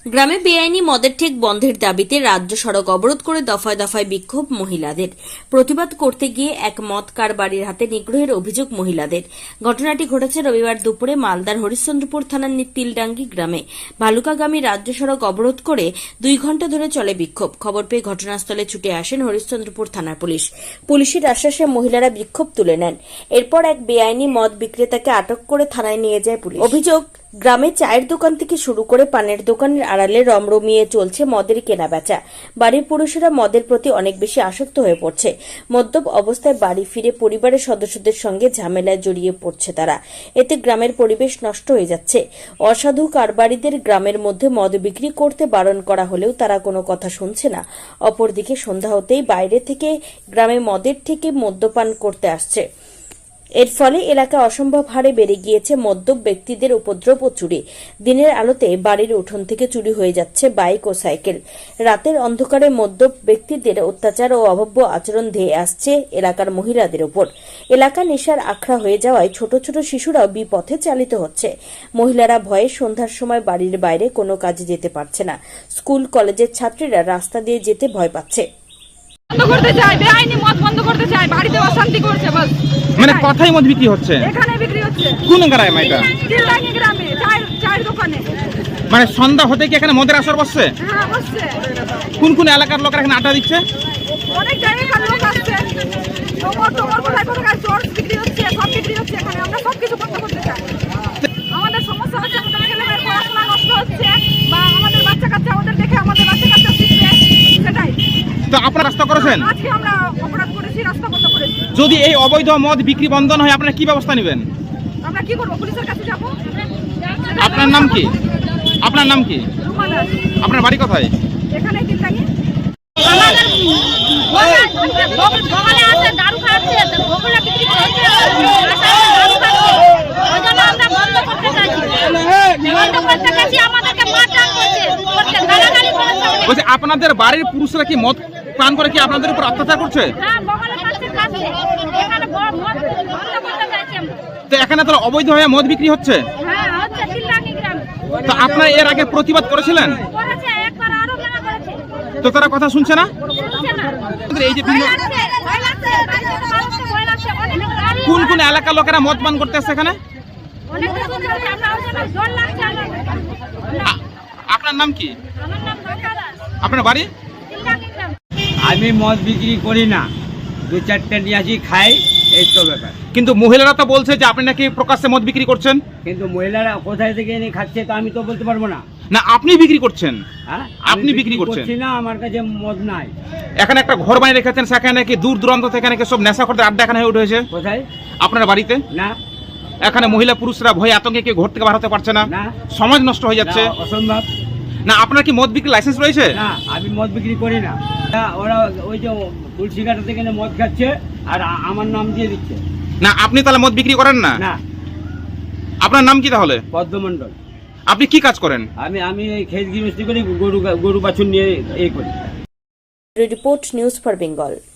গ্রামে বেআইনি মদের ঠেক বন্ধের দাবিতে রাজ্য সড়ক অবরোধ করে দফায় দফায় বিক্ষোভ মহিলাদের। প্রতিবাদ করতে গিয়ে এক মদ কারবারির হাতে নিগ্রহের অভিযোগ মহিলাদের। ঘটনাটি ঘটেছে রবিবার দুপুরে মালদার হরিশ্চন্দ্রপুর থানার তিলডাঙ্গি গ্রামে। ভালুকাগামী রাজ্য সড়ক অবরোধ করে 2 ঘণ্টা ধরে চলে বিক্ষোভ। খবর পেয়ে ঘটনাস্থলে ছুটে আসেন হরিশ্চন্দ্রপুর থানার পুলিশ। পুলিশের আশ্বাসে মহিলারা বিক্ষোভ তুলে নেন। এরপর এক বেআইনি মদ বিক্রেতাকে আটক করে থানায় নিয়ে যায় পুলিশ। অভিযোগ, গ্রামে চায়ের দোকান থেকে শুরু করে পানের দোকানের আড়ালে রমরমিয়ে চলছে মদের কেনাবেচা। বাড়ির পুরুষেরা মদের প্রতি অনেক বেশি আসক্ত হয়ে পড়ছে। মদ্যপ অবস্থায় বাড়ি ফিরে পরিবারের সদস্যদের সঙ্গে ঝামেলায় জড়িয়ে পড়ছে তারা। এতে গ্রামের পরিবেশ নষ্ট হয়ে যাচ্ছে। অসাধু কারবারিদের গ্রামের মধ্যে মদ বিক্রি করতে বারণ করা হলেও তারা কোনো কথা শুনছে না। অপরদিকে সন্ধ্যা হতেই বাইরে থেকে গ্রামে মদের থেকে মদ্যপান করতে আসছে। এর ফলে এলাকা অসম্ভব হারে বেড়ে গিয়েছে মদ্যপ ব্যক্তিদের উপদ্রব ও চুরি। দিনের আলোতে বাড়ির উঠোন থেকে চুরি হয়ে যাচ্ছে বাইক ও সাইকেল। রাতের অন্ধকারে মদ্যপ ব্যক্তিদের অত্যাচার ও অভব্য আচরণ ধেয়ে আসছে এলাকার মহিলাদের উপর। এলাকা নেশার আখড়া হয়ে যাওয়ায় ছোট ছোট শিশুরাও বিপথে চালিত হচ্ছে। মহিলারা ভয়ে সন্ধ্যার সময় বাড়ির বাইরে কোনো কাজে যেতে পারছে না। স্কুল কলেজের ছাত্রীরা রাস্তা দিয়ে যেতে ভয় পাচ্ছে। বন্ধ করতে চাই, বেআইনি মদ বন্ধ করতে চাই, বাড়িতে অশান্তি করছে বাস। মানে কথাই মদ বিক্রি হচ্ছে, এখানে বিক্রি হচ্ছে। কোন গ্রামে এটা? তিলডাঙ্গি গ্রামে চায়ের দোকানে। মানে সন্ধ্যা হতে কি এখানে মদের আসর বসছে? হ্যাঁ বসছে। কোন কোন এলাকার লোকেরা এখানে আড্ডা দিচ্ছে? অনেক জায়গার লোক আসছে। তোমার কোথায় চোর বিক্রি হচ্ছে, সব বিক্রি হচ্ছে এখানে। আমরা সব কিছু বন্ধ করতে চাই। আমাদের সমস্যা হচ্ছে, আমাদের ছেলেমেয়ের পড়াশোনা নষ্ট হচ্ছে, বা আমাদের বাচ্চা কাচ্চা ওদের দেখে আমাদের বাচ্চা কাচ্চা শিখবে, সেটাই। তো আপনারা রাস্তা করেছেন? আজকে আমরা অপরাধ করেছি, রাস্তা বন্ধ করেছি। যদি এই অবৈধ মদ বিক্রি বন্ধ না হয় আপনারা কি ব্যবস্থা নেবেন? আমরা কি করবো? পুলিশের কাছে যাবো। আপনার নাম কি? আপনার নাম কি? রুমা দাস। আপনার বাড়ি কোথায়? এখানে তিলডাঙ্গি। দোকানে আছে দারু খাচ্ছে, ওগুলো বিক্রি করছে, আমরা বন্ধ করতে চাইছি। বন্ধ করতে চাইছি, আমাদেরকে মারধর করছে, গালাগালি করছে। বলছি আপনাদের বাড়ির পুরুষরা কি মদ পান করে কি আপনাদের উপর অত্যাচার করছে? হ্যাঁ, বগলে পাচ্ছে খাচ্ছে। এখানে মদ বন্ধ করতে চাইছি আমরা। তো এখানে তো অবৈধ হয়ে মদ বিক্রি হচ্ছে। হ্যাঁ হচ্ছে, তিলডাঙ্গি গ্রামে। তো আপনারা এর আগে প্রতিবাদ করেছিলেন? করেছে, একবার আরো মেলা করেছে। তো তারা কথা শুনছে না? শুনছে না। এই যে বিভিন্ন ভয় লাগছে, ভয় লাগছে। অনেক গাড়ি, কোন কোন এলাকার লোকেরা মদ পান করতে আসছে এখানে? অনেক রকম আছে। আমরা ওই জন্য জল লাগছে আমাদের। আপনার নাম কি? আমার নাম গঙ্গা দাস। আপনার বাড়ি? তিলডাঙ্গি গ্রাম। আমি মদ বিক্রি করি না, 2-4টা নিয়ে আসি খাই, এই তো ব্যাপার। কিন্তু মহিলারা তো বলছে যে আপনি নাকি প্রকাশ্যে মদ বিক্রি করছেন। কিন্তু মহিলারা কোথায় থেকে এনে খাচ্ছে তো আমি তো বলতে পারবো না। না, আপনি বিক্রি করছেন। হ্যাঁ, আপনি বিক্রি করছেন? করছি না, আমার কাছে মদ নাই। এখানে একটা ঘর বানিয়ে রেখেছেন, সেখানে নাকি দূর দূরান্ত থেকে নাকি সব নেশা করতে আড্ডা এখানে হয়ে উঠেছে। কোথায়? আপনার বাড়িতে? না এখানে মহিলা পুরুষরা ভয়ে আতঙ্কে কেউ ঘর থেকে বার হতে পারছে না, না, সমাজ নষ্ট হয়ে যাচ্ছে। না, অসম্ভব। না, আপনার কি মদ বিক্রি লাইসেন্স রয়েছে? না, আমি মদ বিক্রি করি না। ওরা ওই যে তুলসী ঘাটা থেকে এনে মদ খাচ্ছে আর আমার নাম দিয়ে দিচ্ছে। না, আপনি তাহলে মদ বিক্রি করেন না? না। আপনার নাম কি তাহলে? পদ্মমণ্ডল। আপনি কি কাজ করেন? আমি এই খেত গৃহস্থী করি, গরু বাছুর নিয়ে এই করি। Report, news for Bengal.